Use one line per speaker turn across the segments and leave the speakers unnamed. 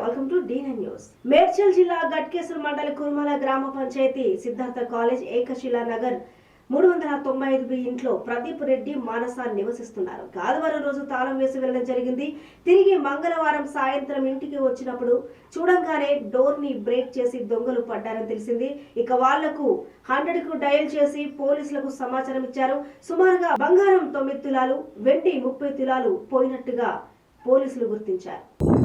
Welcome to D9 news. Medchal జిల్లా గట్కేసర్ మండల కుర్మల గ్రామ పంచాయతీ సిద్ధార్థ కాలేజ్ ఏకశిలా నగర్ 395 ఇంట్లో ప్రదీప్ రెడ్డి మానస నివసిస్తున్నారు. ఆదివారం రోజు తాళం వేసి వెళ్ళడం జరిగింది. తిరిగి మంగళవారం సాయంత్రం ఇంటికి వచ్చినప్పుడు చూడంగానే డోర్ ని బ్రేక్ చేసి దొంగలు పడ్డారని తెలిసింది. ఇక వాళ్లకు 100 కు డయల్ చేసి పోలీసులకు సమాచారం ఇచ్చారు. సుమారుగా బంగారం 9 తులాలు, వెండి 30 తులాలు పోయినట్టుగా పోలీసులు గుర్తించారు.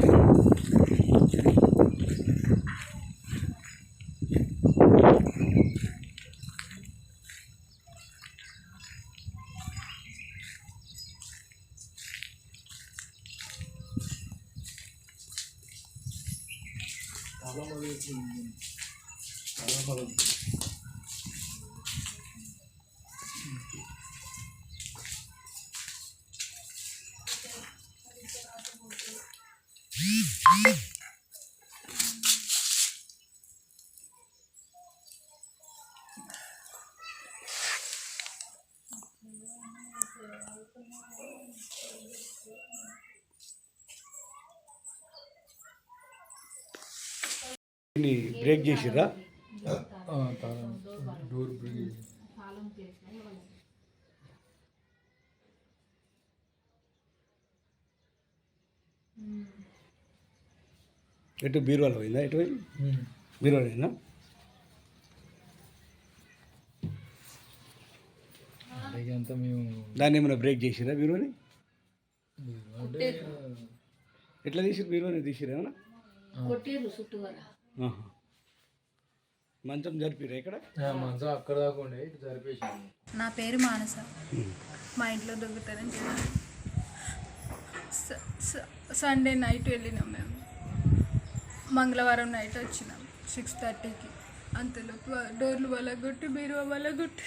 బ్రేక్ చేసిరా?
డోర్ బ్రేక్
ఎటు బీరువాలో పోయిందా? ఎటు పోయింది? బీరువాలోనా?
అంతా మేము
దాన్ని ఏమైనా బ్రేక్ చేసిరా బీరువాని? ఎట్లా తీసిరు బీరువాని? తీసిరా ఏమన్నా? మంచం జరిపిరా ఇక్కడ?
మంచం అక్కడ దాకా ఉండే ఇటు జరిపేసి.
నా పేరు మానస. మా ఇంట్లో దొంగతనం చేయాలి. సండే నైట్ వెళ్ళినాం మేము. మంగళవారం నైట్ వచ్చినాం 6:30కి. అంతలోపు డోర్లు వలగొట్టి బీరువా వలగొట్టి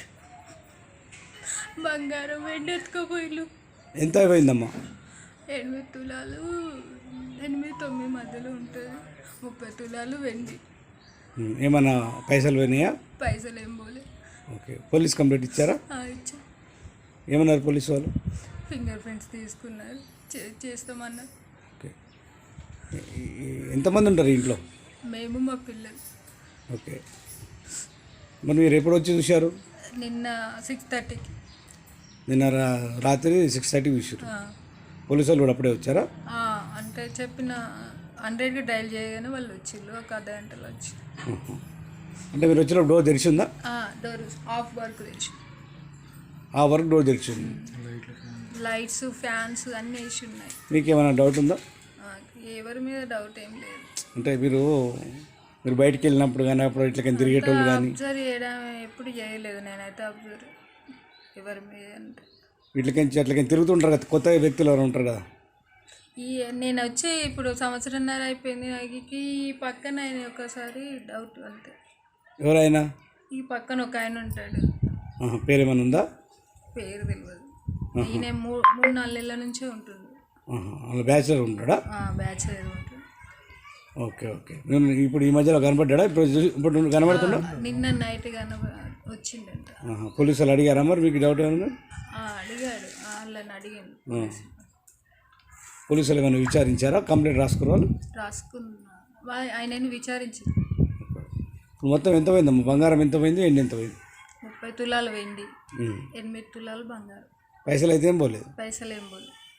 బంగారం వెండి ఎత్తుకోపోయిలు.
ఎంత అయిపోయిందమ్మా?
8 తులాలు 8-9 మధ్యలో ఉంటుంది. 30 తులాలు వెండి.
ఏమన్నా పైసలు పోయినాయా?
పైసలు ఏం పోలే.
ఓకే. పోలీస్ కంప్లైంట్ ఇచ్చారా?
ఇచ్చా.
ఏమన్నారు పోలీసు వాళ్ళు?
ఫింగర్ ప్రింట్స్ తీసుకున్నారు, చేస్తామన్నారు.
ఓకే. ఎంతమంది ఉంటారు ఇంట్లో?
మేము మా పిల్లలు.
ఓకే. మరి మీరు ఎప్పుడు వచ్చి చూశారు?
నిన్న 6:30కి.
నిన్న రాత్రి 6:30కి చూసారు. పోలీసు వాళ్ళు కూడా అప్పుడే వచ్చారా?
అంటే చెప్పిన 100కి డయల్ చేయగానే వాళ్ళు వచ్చిళ్ళు. ఒక అర్ధ గంటలో వచ్చి.
అంటే మీరు వచ్చిన డోర్ తెరిచిందా?
డోర్ ఆఫ్ వర్క్ తెచ్చి.
ఆ వర్క్ డోర్ తెరిచింది.
లైట్స్, ఫ్యాన్స్ అన్నీ వేసి ఉన్నాయి.
మీకు ఏమైనా డౌట్ ఉందా?
ఎవరి మీద డౌట్ ఏం లేదు.
అంటే మీరు బయటికి వెళ్ళినప్పుడు కానీ అప్పుడు ఇట్లా తిరిగేటోళ్ళు కానీ
అబ్జర్వ్ చేయడం ఎప్పుడు చేయలేదు నేనైతే. అబ్జర్వ్ ఎవరి మీద అంటే
వీటికి అట్లకి తిరుగుతుంటారు కదా, కొత్త వ్యక్తులు ఎవరు ఉంటారు కదా.
నేను వచ్చి ఇప్పుడు సంవత్సరంన్నర అయిపోయింది. నాకు ఈ పక్కన ఆయన ఒకసారి డౌట్ అంతే.
ఎవరైనా? ఈ
పక్కన ఒక ఆయన ఉంటాడు.
పేరు ఏమైనా ఉందా?
పేరు తెలియదు. ఈయన 3-4 నెలల నుంచే ఉంటుంది.
బ్యాచులర్ ఉంటాడా?
బ్యాచులర్ ఉంటాడు.
ఓకే. ఓకే. నేను ఇప్పుడు ఈ మధ్యలో కనబడ్డా? ఇప్పుడు కనబడుతున్నా?
నిన్న నైట్ వచ్చిందంట.
పోలీసు వాళ్ళు అడిగారా మరి మీకు డౌట్ ఏమన్నా?
అడిగాడు. వాళ్ళని అడిగాను.
పోలీసు వాళ్ళు ఏమైనా విచారించారా? కంప్లైంట్ రాసుకున్నారు?
రాసుకున్నా. ఆయనని విచారించి.
మొత్తం ఎంత పోయిందమ్మా? బంగారం ఎంత పోయింది, ఎండి ఎంత పోయింది?
30 తులాలు వెండి, 8 తులాలు బంగారం.
పైసలు అయితే ఏం పోలేదు?
పైసలు ఏం పోలేదు.